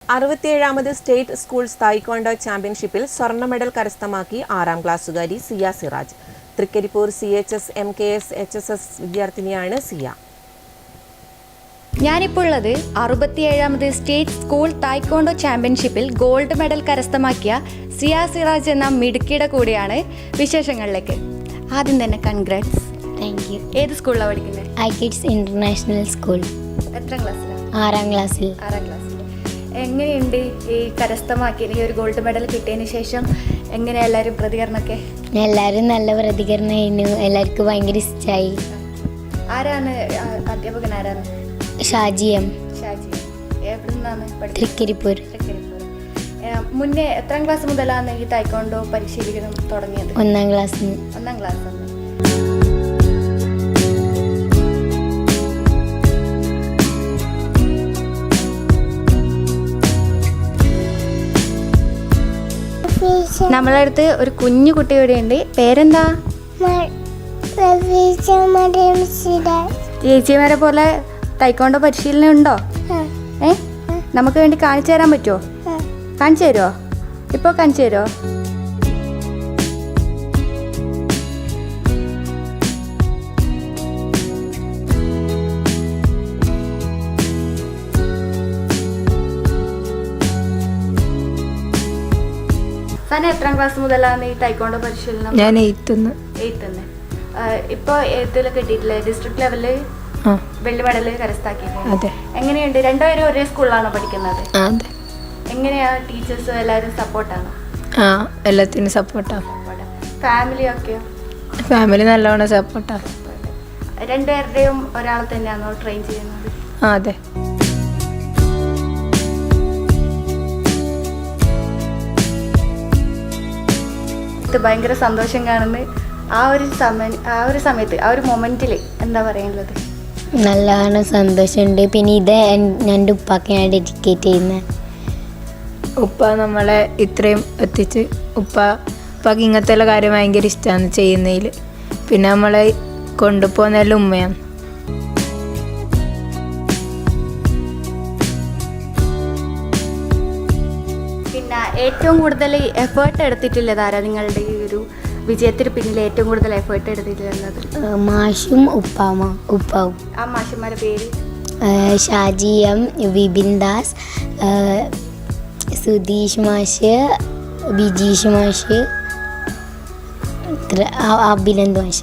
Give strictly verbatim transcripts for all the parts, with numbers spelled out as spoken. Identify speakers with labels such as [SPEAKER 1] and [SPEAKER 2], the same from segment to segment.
[SPEAKER 1] അറുപത്തിയേഴാമത് state schools taekwondo ചാമ്പ്യൻഷിപ്പിൽ സ്വർണ്ണ medal കരസ്ഥമാക്കി ആറാം ക്ലാസ്സുകാരി Siya Siraj. Thrikaripur C H S M K S H S S വിദ്യാർത്ഥിനിയാണ് സിയ.
[SPEAKER 2] ഞാനിപ്പോൾ ഉള്ളത് അറുപത്തിയേഴാമത് സ്റ്റേറ്റ് സ്കൂൾ തായ്ക്വാണ്ടോ ചാമ്പ്യൻഷിപ്പിൽ ഗോൾഡ് മെഡൽ കരസ്ഥമാക്കിയ സിയ സിറാജ് എന്ന മിടുക്കിയുടെ കൂടെയാണ്. വിശേഷങ്ങളിലേക്ക് ആദ്യം തന്നെ കൺഗ്രാറ്റ്സ്.
[SPEAKER 3] Thank you.
[SPEAKER 2] ഏത് സ്കൂളിലാണ് പഠിക്കുന്നത്?
[SPEAKER 3] I kids international school.
[SPEAKER 2] എത്ര ക്ലാസ്സിലാണ്?
[SPEAKER 3] ആറാം ക്ലാസ്സിൽ.
[SPEAKER 2] ആറാം ക്ലാസ്സിൽ. എങ്ങനെയുണ്ട് ഈ കരസ്ഥമാക്കി ഈ ഒരു ഗോൾഡ് മെഡൽ കിട്ടിയതിന് ശേഷം? എങ്ങനെയാണ് എല്ലാവരും പ്രതികരണമൊക്കെ?
[SPEAKER 3] എല്ലാവരും നല്ല പ്രതികരണമായിരുന്നു. എല്ലാവർക്കും ഭയങ്കര ഇഷ്ടമായി.
[SPEAKER 2] ആരാണ് അധ്യാപകൻ? ആരാണ്?
[SPEAKER 3] ഷാജി എം.
[SPEAKER 2] ഷാജി. എവിടെ നിന്നാണ് പഠിച്ചത്?
[SPEAKER 3] തൃക്കരിപ്പൂർ.
[SPEAKER 2] തൃക്കരിപ്പൂർ. മുന്നേ എത്രാം ക്ലാസ് മുതലാണ് ഈ തായ്ക്വാണ്ടോ പരിശീലിക്കണം തുടങ്ങിയത്?
[SPEAKER 3] ഒന്നാം ക്ലാസ്.
[SPEAKER 2] ഒന്നാം ക്ലാസ്. നമ്മളെ അടുത്ത് ഒരു കുഞ്ഞു കുട്ടി ഇവിടെ ഉണ്ട്. പേരെന്താ? ചേച്ചിമാരെ പോലെ തായ്ക്വാണ്ടോ പരിശീലനം ഉണ്ടോ? ഏ നമുക്ക് വേണ്ടി കാണിച്ചു തരാൻ പറ്റുമോ? കാണിച്ചു തരുമോ? ഇപ്പോൾ കാണിച്ചു തരുമോ? സാന എത്രാം ക്ലാസ് മുതലാണ് ഈ തായ്ക്വാണ്ടോ പരിശീലനം?
[SPEAKER 4] ഞാൻ എയ്ത്തുന്ന്.
[SPEAKER 2] എയ്ത്തുന്ന്. ഇപ്പോൾ എയ്ത്തിലൊക്കെ കിട്ടിയിട്ടില്ലേ? ഡിസ്ട്രിക്ട് ലെവലിൽ വെള്ളി മെഡൽ കരസ്ഥമാക്കിയിട്ടുണ്ട്. എങ്ങനെയുണ്ട്? രണ്ടുപേരും ഒരേ സ്കൂളിലാണോ പഠിക്കുന്നത്? എങ്ങനെയാ ടീച്ചേഴ്സും എല്ലാവരും സപ്പോർട്ടാണോ?
[SPEAKER 4] ആ, എല്ലാത്തിനും സപ്പോർട്ടാണ്.
[SPEAKER 2] ഫാമിലിയൊക്കെ?
[SPEAKER 4] ഫാമിലി നല്ലോണം സപ്പോർട്ടാണ്.
[SPEAKER 2] രണ്ടുപേരുടെയും ഒരാൾ തന്നെയാണോ ട്രെയിൻ ചെയ്യുന്നത്?
[SPEAKER 4] ആ, അതെ.
[SPEAKER 2] ഭയങ്കര സന്തോഷം കാണുന്നു. ആ ഒരു സമയം ആ ഒരു സമയത്ത് ആ ഒരു മൊമെന്റിൽ എന്താ പറയാനുള്ളത്?
[SPEAKER 3] നല്ലോണം സന്തോഷമുണ്ട്. പിന്നെ ഇത് എൻ്റെ ഉപ്പാക്ക് ഞാൻ ഡെഡിക്കേറ്റ് ചെയ്യുന്നത്.
[SPEAKER 4] ഉപ്പ നമ്മളെ ഇത്രയും എത്തിച്ച് ഉപ്പ ഉപ്പാക്ക് ഇങ്ങനത്തെ ഉള്ള കാര്യം ഭയങ്കര ഇഷ്ടമാണ് ചെയ്യുന്നതിൽ. പിന്നെ നമ്മളെ കൊണ്ടുപോകുന്നതെല്ലാം ഉമ്മയാണ്.
[SPEAKER 2] പിന്നെ ഏറ്റവും കൂടുതൽ എഫേർട്ട് എടുത്തിട്ടുള്ളത് ആരാ? നിങ്ങളുടെ ഈ ഒരു വിജയത്തിന് പിന്നിൽ ഏറ്റവും കൂടുതൽ എഫേർട്ട് എടുത്തിട്ടുള്ളത്?
[SPEAKER 3] മാഷും ഉപ്പാമ ഉപ്പാവും.
[SPEAKER 2] ആ മാഷന്മാരുടെ പേര്?
[SPEAKER 3] ഷാജി എം, വിപിൻ ദാസ്, സുധീഷ് മാഷ്, ബിജീഷ് മാഷ്, അഭിനന്ദ് മാഷ്.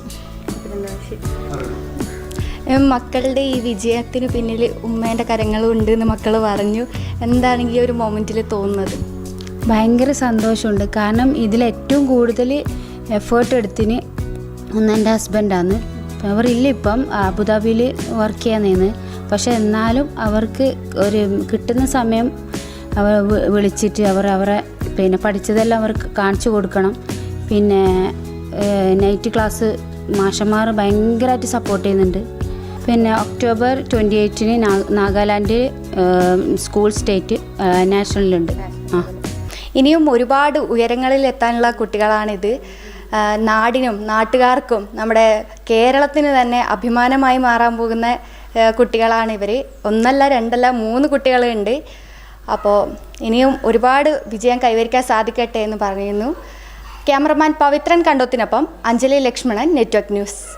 [SPEAKER 2] മക്കളുടെ ഈ വിജയത്തിന് പിന്നിൽ ഉമ്മേൻ്റെ കരങ്ങളും ഉണ്ട് എന്ന് മക്കൾ പറഞ്ഞു. എന്താണ് ഈ ഒരു മൊമെൻറ്റിൽ തോന്നുന്നത്?
[SPEAKER 5] ഭയങ്കര സന്തോഷമുണ്ട്. കാരണം ഇതിൽ ഏറ്റവും കൂടുതൽ എഫേർട്ട് എടുത്തിന് ഒന്ന് എൻ്റെ ഹസ്ബൻഡാണ്. അവരില്ല, ഇപ്പം അബുദാബിയിൽ വർക്ക് ചെയ്യാൻ. പക്ഷെ എന്നാലും അവർക്ക് ഒരു കിട്ടുന്ന സമയം അവർ വിളിച്ചിട്ട് അവർ അവരെ പിന്നെ പഠിച്ചതെല്ലാം അവർക്ക് കാണിച്ചു കൊടുക്കണം. പിന്നെ നൈറ്റ് ക്ലാസ് മാഷന്മാർ ഭയങ്കരമായിട്ട് സപ്പോർട്ട് ചെയ്യുന്നുണ്ട്. പിന്നെ ഒക്ടോബർ ട്വൻറ്റി എയ്റ്റിന് നാഗാലാൻഡ് സ്കൂൾ സ്റ്റേറ്റ് നാഷണലുണ്ട്. ആ,
[SPEAKER 2] ഇനിയും ഒരുപാട് ഉയരങ്ങളിൽ എത്താനുള്ള കുട്ടികളാണിത്. നാടിനും നാട്ടുകാർക്കും നമ്മുടെ കേരളത്തിന് തന്നെ അഭിമാനമായി മാറാൻ പോകുന്ന കുട്ടികളാണ് ഇവർ. ഒന്നല്ല രണ്ടല്ല മൂന്ന് കുട്ടികളുണ്ട്. അപ്പോൾ ഇനിയും ഒരുപാട് വിജയം കൈവരിക്കാൻ സാധിക്കട്ടെ എന്ന് പറയുന്നു. ക്യാമറമാൻ പവിത്രൻ കണ്ടോത്തിനൊപ്പം അഞ്ജലി ലക്ഷ്മണൻ, നെറ്റ്വർക്ക് ന്യൂസ്.